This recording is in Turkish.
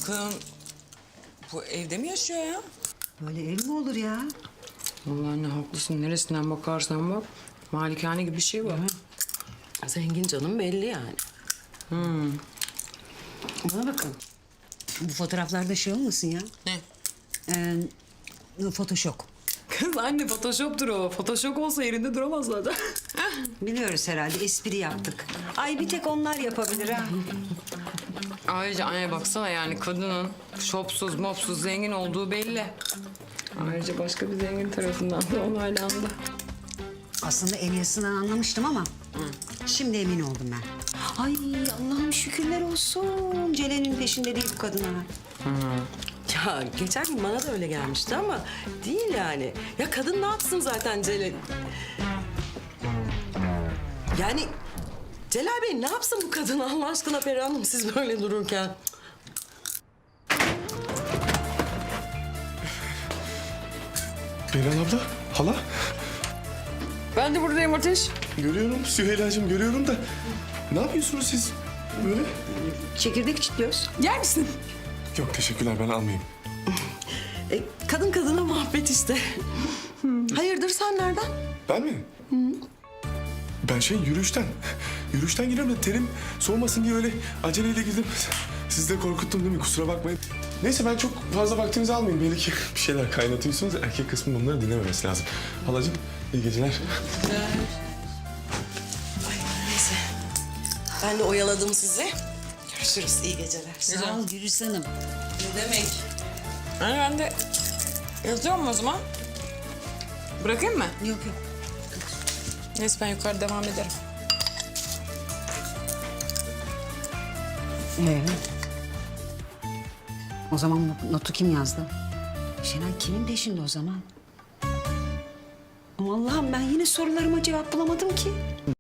Bakın bu evde mi yaşıyor ya? Böyle ev mi olur ya? Vallahi anne haklısın. Neresinden bakarsan bak. Malikane gibi bir şey var. Zengin canım belli yani. Bana bakın. Bu fotoğraflarda şey olmasın ya? Ne? Photoshop. Kız anne photoshop'tur o. Photoshop olsa yerinde duramaz zaten. Biliyoruz herhalde, espri yaptık. Ay bir tek onlar yapabilir ha. Ayrıca anne baksana yani kadının şopsuz mopsuz zengin olduğu belli. Ayrıca başka bir zengin tarafından da onaylandı. Aslında Elyas'ından anlamıştım ama şimdi emin oldum ben. Ay Allah'ım şükürler olsun. Celal'in peşinde değil bu kadın ha. Ya geçen gün bana da öyle gelmişti ama değil yani. Ya kadın ne yapsın zaten Celal? Yani Celal Bey ne yapsın bu kadın Allah aşkına Peri Hanım siz böyle dururken? Beren abla, hala. Ben de buradayım Ateş. Görüyorum Süheyla'cığım, görüyorum da. Ne yapıyorsunuz siz böyle? Çekirdek çitliyoruz. Yer misin? Yok teşekkürler, ben almayayım. Kadın kadına muhabbet işte. Hayırdır sen nereden? Ben mi? Ben yürüyüşten. Yürüyüşten geliyorum da terim soğumasın diye öyle aceleyle girdim. Sizi de korkuttum değil mi? Kusura bakmayın. Neyse ben çok fazla vaktinizi almayayım. Belli ki bir şeyler kaynatıyorsunuz. Erkek kısmı bunları dinlememesi lazım. Halacığım iyi geceler. Neyse. Ben de oyaladım sizi. Görüşürüz iyi geceler. Sağ ol Gürüz Hanım. Ne demek? Hani ben de yatıyorum o zaman. Bırakayım mı? Yok yok. Neyse ben yukarı devam ederim. O zaman notu kim yazdı? Şenay kimin peşinde o zaman? Ama Allah'ım ben yine sorularıma cevap bulamadım ki.